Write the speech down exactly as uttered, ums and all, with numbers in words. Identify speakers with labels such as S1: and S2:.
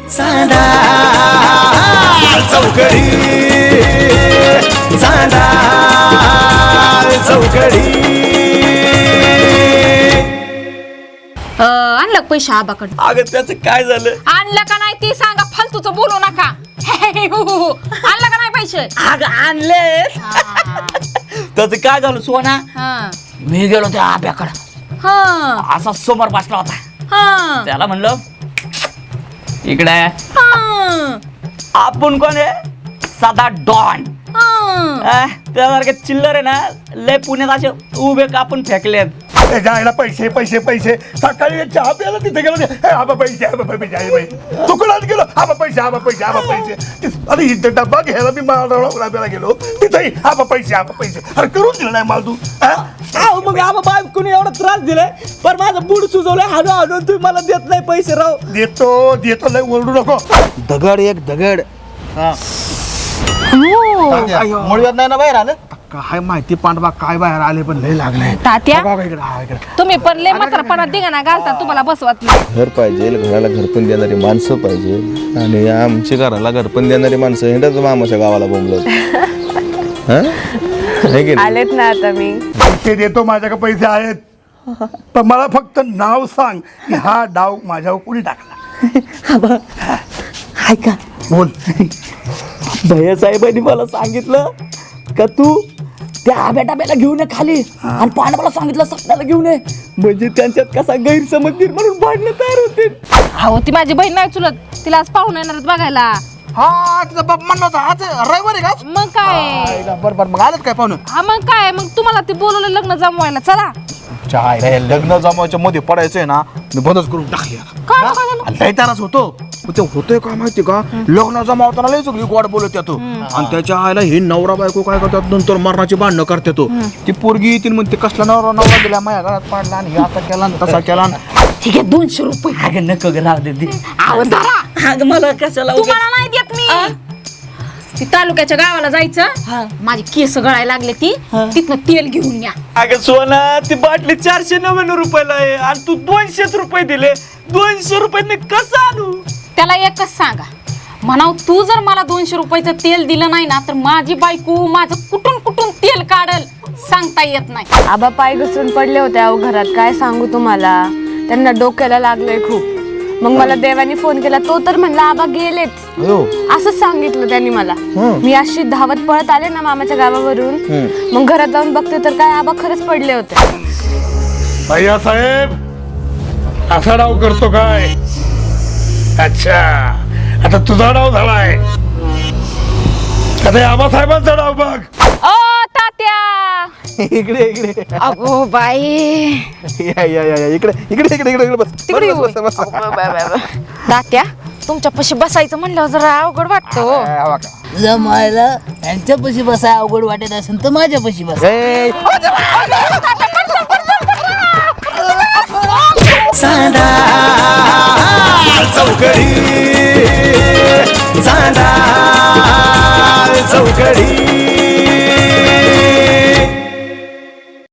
S1: चांदा चौकडी चांदा चौकडी.
S2: आणलं पैसे आबाकडे.
S1: अगं त्याचं काय झालं?
S2: आणलं का नाही ती सांगा, फालतूचं बोलू नका. आणलं का नाही पैसे?
S1: अगं आणले. त्याचं काय झालं सोना? मी गेलो त्या आब्याकडं, असा समोर बसला होता. त्याला म्हणलं इकडे आपण कोण आहे? साधा डॉन. त्यासारखे चिल्लर आहे ना, लय पुण्यात असे उभे कापून फेकलेत.
S3: जायला पैसे पैसे पैसे. सकाळी चहा प्यायला तिथे गेलो, आबा पैसे आबा पैसे. दुकानात गेलो, आबा पैसे आबा पैसे आबा पैसे. अरे इथे डब्बा घ्यायला मी माळाला गेलो, तिथेही आबा पैसे आबा पैसे. अरे करून दिलं नाही मला तू.
S1: मग आबा बायकोनी एवढा त्रास दिलाय, पण माझं बुड सुचवलंय. हाडू हाडून तुम्ही मला देत नाही पैसे. राव
S3: देतो देतो, लय ओरडू नको.
S4: दगड एक दगड. मुळव्यात नाही ना बाहेर आलं.
S3: काय माहिती पांडवा काय बाहेर आले, पण लय लागले.
S2: तात्या तुम्ही पण लय म्हातारपणात दिगाना घालता, तुम्हाला बसवत नाही.
S4: घर पाहिजे, घराला घरपण देणारी माणसं पाहिजे. आणि आमच्या घराला घरपण देणारी माणसं हिंडत मामाच्या गावाला बोंबलत.
S5: आलेत ना आता मी.
S3: पैसे देतो, माझ्याकडे पैसे आहेत, पण मला फक्त नाव सांग की हा डाव माझ्यावर कोणी टाकला.
S1: ऐका,
S3: बोल.
S1: भैया साहेबांनी मला सांगितलं का तू त्या आब्या डाब्याला घेऊन ये खाली, आणि पांडवाला सांगितलं सपनाला घेऊन ये, म्हणजे त्यांच्यात कसा गैरसमज निर्माण भांडणं तयार होते.
S2: अहो ती माझी बहीण नाही चुलत, तिला आज पाहुणे येणार बघायला.
S4: हा तिचा बाप म्हणला होता आज रविवार आहे का?
S2: मग काय
S4: बरोबर. मग आलेत काय पाहुणं?
S2: हा मग काय, मग तुम्हाला ते बोलवलं लग्न जमवायला. चला.
S4: चाय लग्न जमावायच्या मध्ये पडायचंय ना, मी बंदच करून टाकली.
S2: काय काय झालं?
S4: लय ताराच होतो. ते होतोय काय माहिती का, लग्न जमावताना लय सगळी गोड बोलत येतो, आणि त्याच्या आईला ही नवरा बायको काय करतात, नंतर मरणाची भांडणं करते. ती पोरगी येतील म्हणते कसला नवरा नवरा दिला, माझ्या घरात पाडला, आणि असा केला तसा केला.
S2: ठीक आहे, दोनशे रुपये.
S1: अगं नको ग, राहू दे दे.
S2: अहो धरा.
S1: अगं मला कशाला उगाच-
S2: तुम्हाला नाही देत मी. ती तालुक्याच्या गावाला जायचं, माझी केस गळायला लागले, ती तिथनं तेल घेऊन या.
S1: अगं सोना, ती बाटली चारशे नव्याण्णव रुपयाला आहे, आणि तू दोनशेच रुपये दिले. दोनशे रुपये कसं आणू?
S2: त्याला एकच सांगा, म्हणाव तू जर मला दोनशे रुपयाचं तेल दिलं नाही ना, तर माझी बायको माझं कुठून कुठून तेल काढल सांगता येत नाही.
S5: आबा पाय घसरून पडले होते अहो घरात, काय सांगू तुम्हाला. त्यांना डोक्याला लागलंय खूप. मग मला देवानी फोन केला, तो तर म्हणला आबा गेलेत, असंच सांगितलं त्यांनी मला. मी अशी धावत पळत आले ना मामाच्या गावावरून, मग घरात जाऊन बघते तर काय आबा खरंच पडले होते.
S3: भैया साहेब असा डाव करतो काय? अच्छा, आता तुझा डाव झालाय, आता आबासाहेबांचा डाव बघ.
S2: ओ तात्या,
S4: इकडे इकडे
S2: अगो बाई,
S4: या या या इकडे इकडे इकडे इकडे बस.
S2: तिकडे
S4: बस, बस, बस, बस.
S2: तात्या तुमच्या पशी बसायचं म्हणलं जरा अवघड वाटतो.
S1: जमायला यांच्यापाशी बसाय अवघड वाटत असेल तर माझ्यापाशी बस.
S4: ए,
S1: चांदा चौकडी चांदा चौकडी.